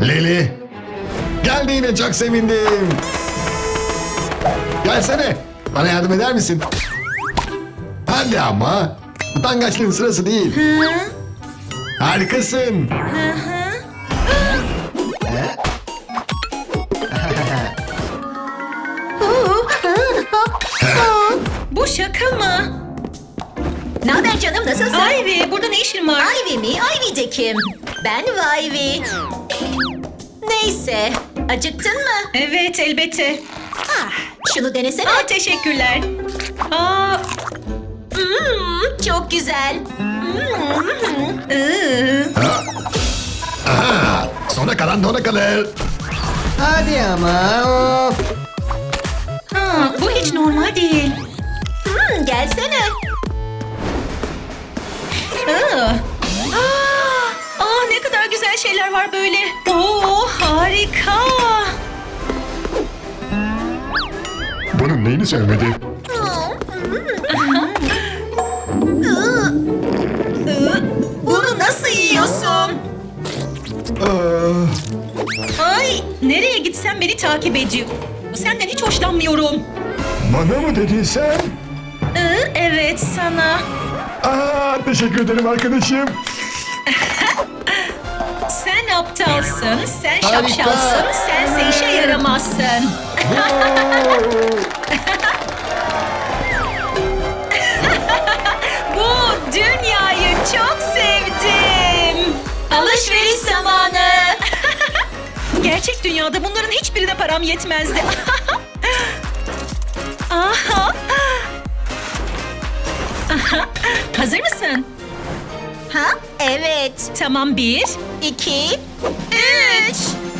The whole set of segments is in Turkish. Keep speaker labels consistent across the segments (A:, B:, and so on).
A: Leli. Geldiğine çok sevindim. Gelsene. Bana yardım eder misin? Hadi ama. Utangaçlığın sırası değil. Harikasın.
B: Bu şaka mı?
C: Ne haber canım, nasılsın?
B: Ivy, burada ne işin var?
C: Ivy mi? Ivy de kim? Ben Ivy. Neyse, acıktın mı?
B: Evet, elbette.
C: Şunu denesene.
B: Teşekkürler. Aa,
C: Çok güzel.
A: Aha, sona kalan dona kalır.
D: Hadi ama of.
B: bu hiç normal değil.
C: Gelsene.
B: Ne kadar güzel şeyler var böyle. Oo, harika.
A: Bunun neyini sevmedi?
C: Bunu nasıl yiyorsun?
B: Ay, nereye gitsem beni takip ediyor. Senden hiç hoşlanmıyorum.
A: Bana mı dedin sen?
B: Evet, sana.
A: Teşekkür ederim arkadaşım.
B: Sen aptalsın, sen
D: Harika.
B: şapşalsın, sense işe yaramazsın. Bu dünyayı çok sevdim. Alışveriş zamanı. Gerçek dünyada bunların hiçbirine param yetmezdi. Aha. Hazır mısın?
C: Ha? Evet.
B: Tamam, 1,
C: 2, 3.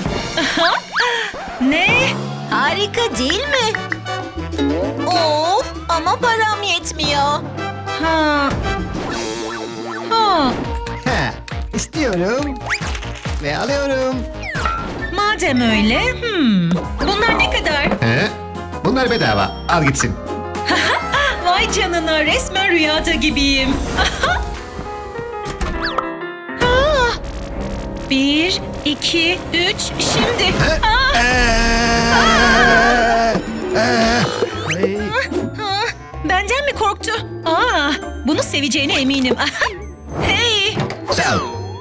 B: ne?
C: Harika değil mi? Of, ama param yetmiyor.
B: Ha. Ha.
D: Ha, istiyorum. Ve alıyorum.
B: Madem öyle, bunlar ne kadar?
A: He? Bunlar bedava. Al gitsin.
B: Vay canına, resmen rüyada gibiyim. 1, 2, 3, şimdi.
D: Ay,
B: Benden mi korktu? Bunu seveceğine eminim. Hey!
A: Sağ ol.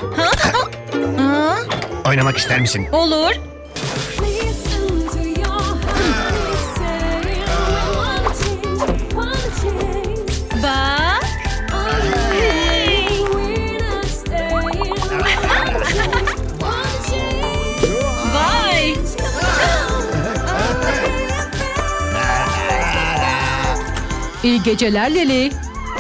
A: Oynamak ister misin?
B: Olur.
E: Listen to your heart saying one change.
B: Bak. Hey!
E: We're not staying. One change.
B: Vay! İyi geceler Leli.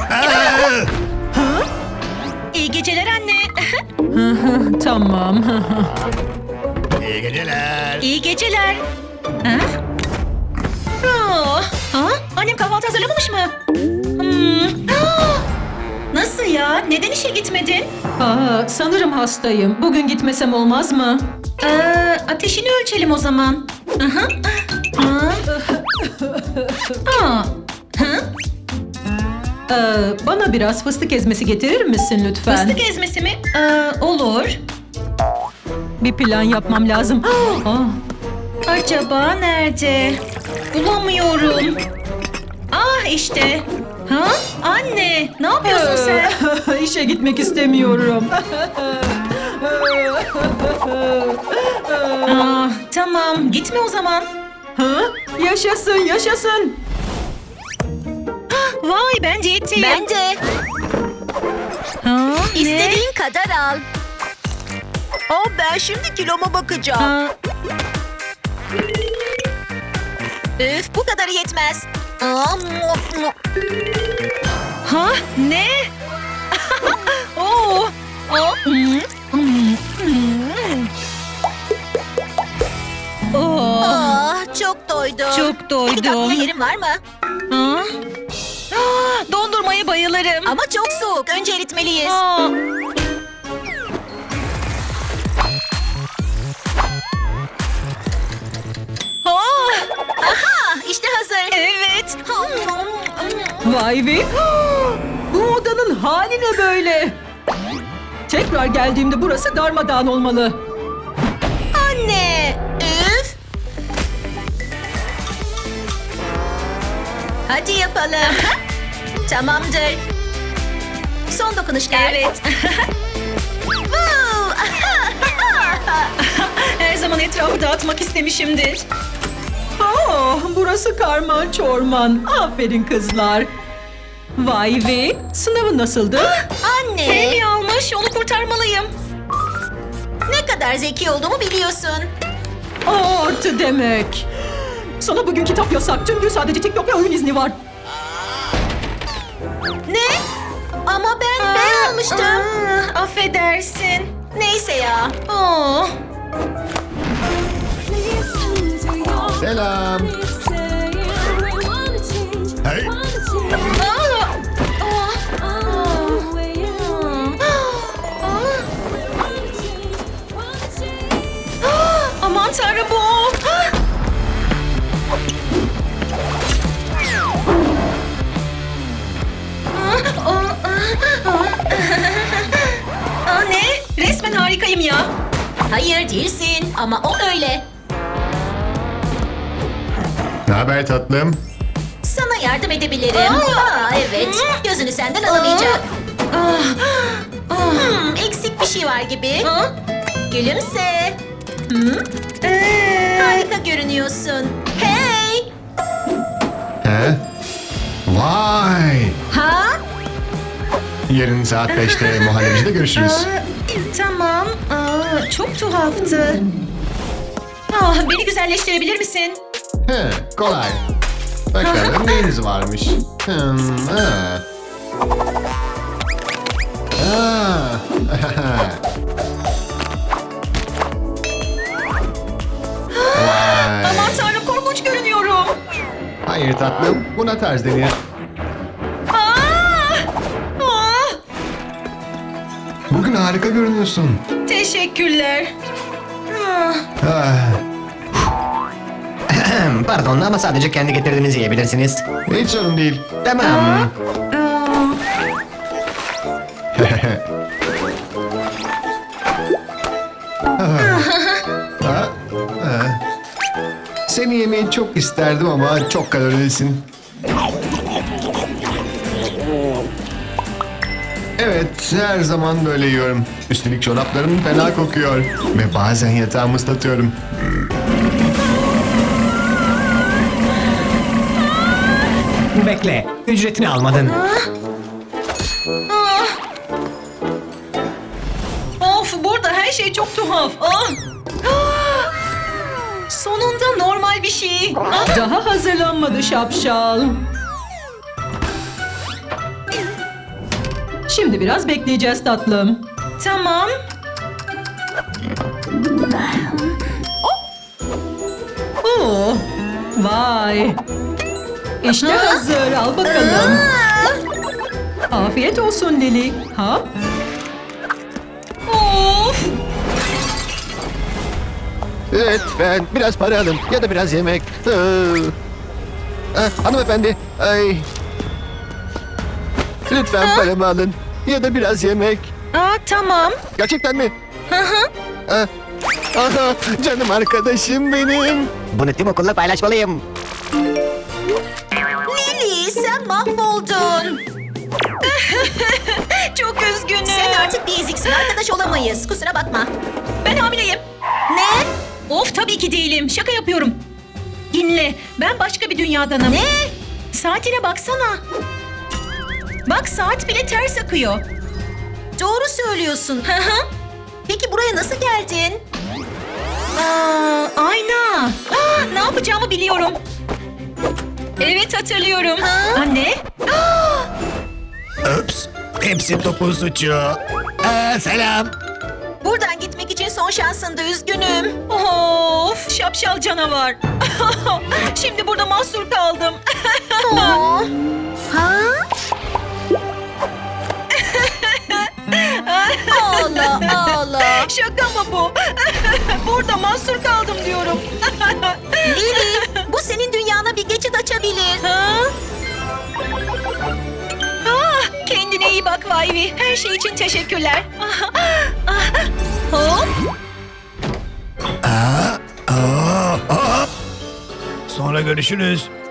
B: İyi geceler anne. Tamam.
A: İyi geceler.
B: İyi geceler. Ha? Annem kahvaltı hazırlamamış mı? Nasıl ya? Neden işe gitmedin?
F: Sanırım hastayım. Bugün gitmesem olmaz mı?
B: Ateşini ölçelim o zaman. Aha.
F: Bana biraz fıstık ezmesi getirir misin lütfen?
B: Fıstık ezmesi mi? Olur.
F: Bir plan yapmam lazım.
B: Acaba nerede? Bulamıyorum. İşte. Anne, ne yapıyorsun sen?
F: İşe gitmek istemiyorum.
B: Tamam, gitme o zaman.
F: Yaşasın, yaşasın.
B: Vay, ben diyetteyim.
C: Ben de.
B: Ne?
C: İstediğin kadar al. Ben şimdi kiloma bakacağım. Üf, bu kadarı yetmez.
B: Ne? Oo.
C: Çok doydum.
B: Çok
C: Bir
B: doydum.
C: tatlı yerim var mı?
B: Dondurmaya bayılırım.
C: Ama çok soğuk. Önce eritmeliyiz. İşte hazır.
B: Evet.
F: Vay be. Bu odanın hali ne böyle? Tekrar geldiğimde burası darmadağın olmalı.
C: Hadi yapalım. Tamamdır. Son dokunuşlar.
B: Evet.
C: Woo!
B: Her zaman etrafı dağıtmak istemişimdir.
F: Burası karman çorman. Aferin kızlar. Vay ve sınavın nasıldı?
C: Anne,
B: Femi almış, onu kurtarmalıyım.
C: ne kadar zeki olduğumu biliyorsun.
F: Artı demek. Sana bugün kitap yasak. Tüm gün sadece TikTok ve oyun izni var.
C: Ne? Ama ben almıştım.
B: Affedersin.
C: Neyse ya.
B: Oh.
E: Listen to your
A: Selam.
E: saying we wanna change.
A: Hey.
E: Wanna change. The way you wanna change. Wanna change.
B: Aman tanrım bu o. Ne? Resmen harikayım ya.
C: Hayır değilsin ama o öyle.
A: Ne haber tatlım?
C: Sana yardım edebilirim. Evet. Gözünü senden alamayacak. Eksik bir şey var gibi. Gülümse. Harika görünüyorsun. Hey!
A: He? Vay!
C: Ha?
A: Yarın saat 5'te muhallebicide görüşürüz.
B: Tamam. Çok tuhaftı. Beni güzelleştirebilir misin?
A: He, kolay. Bakalım neyiniz varmış. Ha. Vay.
B: Aman tanrım korkunç görünüyorum.
A: Hayır tatlım, buna tarz denir.
B: Aa!
A: Bugün harika görünüyorsun.
B: Teşekkürler. Ah.
A: Ah,
D: Pardon ama sadece kendi getirdiğinizi yiyebilirsiniz.
A: hiç sorun değil.
D: Tamam.
A: Ha? Ha. Seni yemeyi çok isterdim ama çok kalorilisin. Evet, her zaman böyle yiyorum. Üstelik çoraplarım fena kokuyor. Ve bazen yatağımı ıslatıyorum.
D: Bekle. Ücretini almadın.
B: Of, burada her şey çok tuhaf. Sonunda normal bir şey.
F: Daha hazırlanmadı şapşal. Şimdi biraz bekleyeceğiz tatlım.
B: Tamam.
F: Vay. İşte hazır. Al bakalım. Afiyet olsun Lili. Ha?
B: Of.
G: Lütfen biraz para alın ya da biraz yemek. Hanımefendi. Ay. Lütfen paramı alın ya da biraz yemek.
B: Tamam.
G: Gerçekten mi? Aha, canım arkadaşım benim.
D: Bunu tüm okulla paylaşmalıyım.
C: Lili sen mahvoldun.
B: Çok üzgünüm.
C: Sen artık bir eziksin. Arkadaş olamayız. Kusura bakma.
B: Ben hamileyim.
C: Ne?
B: Of, tabii ki değilim. Şaka yapıyorum. Dinle. Ben başka bir dünyadanım.
C: Ne?
B: Saatine baksana. Bak, saat bile ters akıyor.
C: Doğru söylüyorsun. Peki buraya nasıl geldin?
B: Ayna. Ne yapacağımı biliyorum. Evet, hatırlıyorum. Anne.
G: Ups. Hepsi topun suçu. Selam.
C: Buradan gitmek için son şansındı. Üzgünüm.
B: Of, şapşal canavar. Şimdi burada mahsur kaldım.
C: Ha? Ağla ağla.
B: Şaka mı bu? Burada mahsur kaldım diyorum.
C: Lili bu senin dünyana bir geçit açabilir.
B: Kendine iyi bak Vayvi. Her şey için teşekkürler. Hop.
G: Sonra görüşürüz.